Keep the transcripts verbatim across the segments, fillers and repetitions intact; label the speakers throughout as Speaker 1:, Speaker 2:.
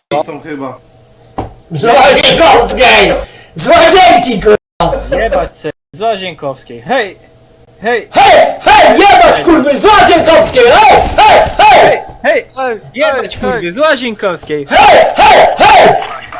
Speaker 1: są chyba.
Speaker 2: Złazienkowskiej! Złazienki, kurwa!
Speaker 3: Jebać se, z Łazienkowskiej. Hej! Hej!
Speaker 2: Hej, hej, jebać, kurwy, Złazienkowskiej! Hej, hej, hej!
Speaker 3: Hej! Hej! Jebać kurwy, z Łazienkowskiej!
Speaker 2: Hej, hej, hej!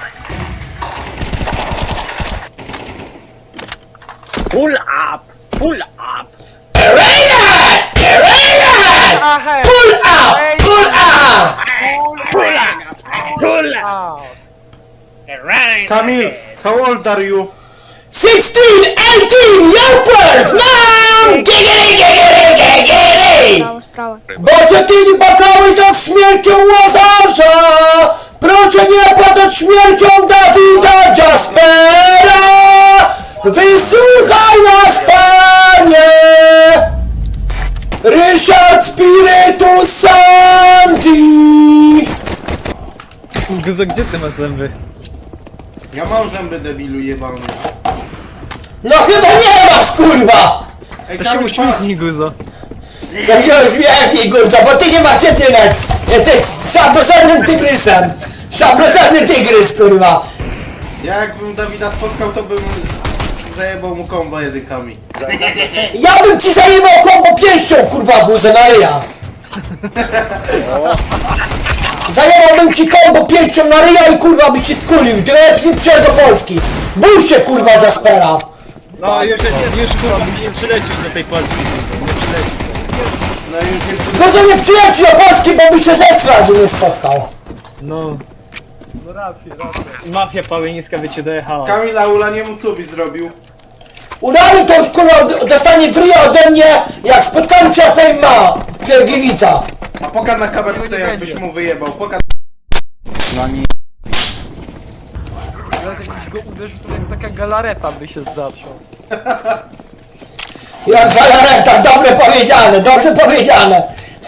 Speaker 3: Pull up! Pull up!
Speaker 2: Rejad! Rejad! Pull up! Pull up!
Speaker 3: Pull up! Pull up!
Speaker 1: Kamil, how old are you?
Speaker 2: sixteen, eighteen, you're twelve, mom! Giggity, giggity, giggity!
Speaker 4: Sprawa, sprawa.
Speaker 2: Boże, ty nie płakałeś nad śmiercią Łazarza! Proszę nie płakać śmiercią Dawida Jaspera! Wysłuchaj nas, Panie! Ryszard Spiritus Santi!
Speaker 3: Guzo, gdzie ty masz zęby?
Speaker 1: Ja mam zęby, debilu jebany.
Speaker 2: No chyba nie masz, kurwa!
Speaker 1: Ej,
Speaker 3: To się
Speaker 1: Kamil,
Speaker 3: uśmiechnij, Guzo.
Speaker 2: To się uśmiechnij, kurwa, bo ty nie masz jedynek! Jesteś szablożernym tygrysem! Szablożerny tygrys, kurwa!
Speaker 1: ja jakbym Dawida spotkał, to bym zajebał mu kombo językami.
Speaker 2: Ja bym ci zajebał kombo pięścią, kurwa, guzę na ryja! Zajebałbym ci kombo pięścią na ryja i kurwa byś się skulił, ty lepiej przyjechał do Polski! Bój się, kurwa, Jaspera!
Speaker 3: No już, już kurwa, nie przylecisz do tej Polski. Nie przylecisz.
Speaker 1: No już nie...
Speaker 2: Guzo, nie przyjedź do Polski, bo by się zesrał, jakby nie spotkał!
Speaker 3: No. No rację, rację. Mafia pałeńska by cię dojechała.
Speaker 1: Kamil, a Ula nie mu co byś zrobił?
Speaker 2: Urani to już, kurwa, dostanie dryja ode mnie, jak spotkamy się na twoim ma w Kiergiewicach!
Speaker 1: A pokaż na kamerce, jakbyś mu wyjebał. Pokaż.
Speaker 5: Jakbyś go uderzył, to jak taka galareta by się zaczął.
Speaker 2: Jak galareta, dobre powiedziane, dobrze powiedziane.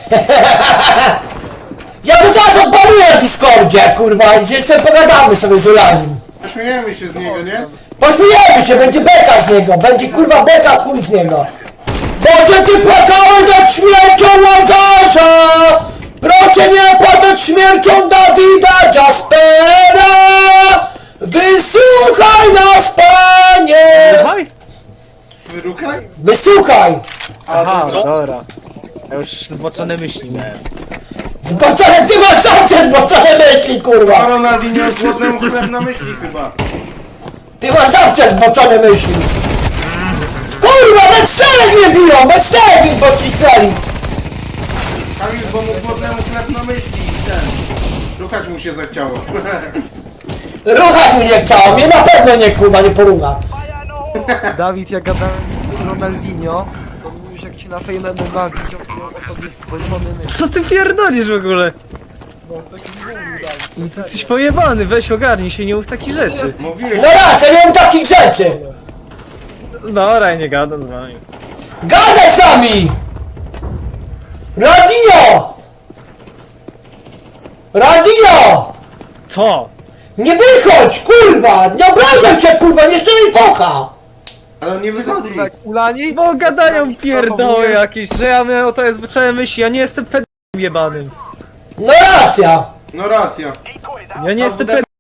Speaker 2: Ja to zaraz odpaluję na Discordzie, kurwa, i jeszcze pogadamy sobie z Ulanim.
Speaker 1: Śmiejemy się z niego, nie?
Speaker 2: Pośmiejemy się, będzie beka z niego, będzie kurwa beka chuj z niego. Boże, ty płakałeś nad śmiercią Łazarza! Proszę nie płakać śmiercią Dawida Jaspera! Wysłuchaj nas, Panie!
Speaker 3: Słuchaj?
Speaker 1: Wyrukaj?
Speaker 2: Wysłuchaj!
Speaker 3: Aha, dobra. Ja już zboczone myśli miałem.
Speaker 2: Zboczone, ty masz zawsze zboczone myśli,
Speaker 1: A
Speaker 2: kurwa!
Speaker 1: Ronaldinho głodnemu chleb na myśli chyba.
Speaker 2: Ty masz zawsze zboczone myśli! Kurwa, we czterech mnie biją, we czterech mi pocisnęli!
Speaker 1: Kamil, bo mu głodnemu chleb na myśli i ten. Rukać mu się zachciało.
Speaker 2: Ruchać mi nie chciało, mnie na pewno nie, kurwa, nie porucha.
Speaker 5: Dawid, jak gadałem z Ronaldinho, to mówisz, jak ci na fejmę M M A widział, to tobie spojrzony myśl.
Speaker 3: Co ty pierdolisz w ogóle?
Speaker 5: No, taki mówił Dawid.
Speaker 3: No ty jesteś pojebany, weź ogarnij się, nie mów takich rzeczy.
Speaker 1: Mówiłeś,
Speaker 2: No raczej, nie mam takich rzeczy!
Speaker 3: Dobra, ja nie gadam z wami.
Speaker 2: Gadaj z nami! Radinio! Radinio!
Speaker 3: Co?
Speaker 2: Nie wychodź, kurwa! Nie obrażaj cię, kurwa, nie szczerze kocha!
Speaker 1: ale on nie wychodzi.
Speaker 5: Kurwa, jak Ulani?
Speaker 3: Bo gadają pierdoły
Speaker 5: Zachowuje-
Speaker 3: jakieś, że ja miałem o to jest zwyczajne myśli, ja nie jestem pedałem jebanym.
Speaker 2: No racja!
Speaker 1: No racja.
Speaker 3: Ja nie jestem pedałem.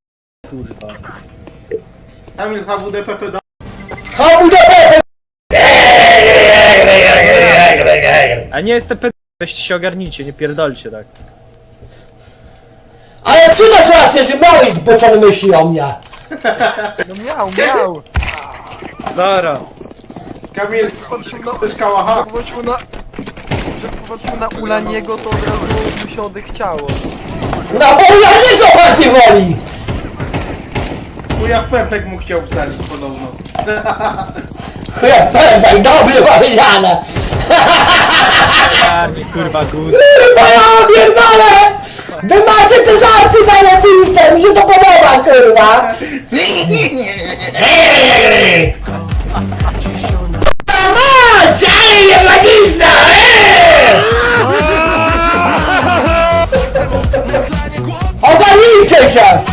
Speaker 1: Kamil H W D P P da.
Speaker 2: Hamu do Pepe!
Speaker 3: A nie jestem pedałem, weźcie się ogarnijcie, nie pierdolcie tak.
Speaker 2: Ale przydasz rację, że miałeś zboczone myśli o mnie!
Speaker 5: No miał, miał!
Speaker 3: Dobra.
Speaker 1: Kamil,
Speaker 5: Patrzył na...
Speaker 1: chcesz kałacha?
Speaker 5: Popatrzył na... Że popatrzył na Ulaniego, to od razu mu się odechciało.
Speaker 2: No bo ja nie co bardziej woli!
Speaker 1: Chuja w pępek mu chciał wsadzić podobno.
Speaker 2: Chleb pędek, dobre powiedziane!
Speaker 3: Ogarnij kurwa guz.
Speaker 2: Kurwa, ja pierdolę! Wy macie te żarty zajebiste, mi się to podoba, kurwa! A mać, ale nie magista, eee! Ogarnijcie się!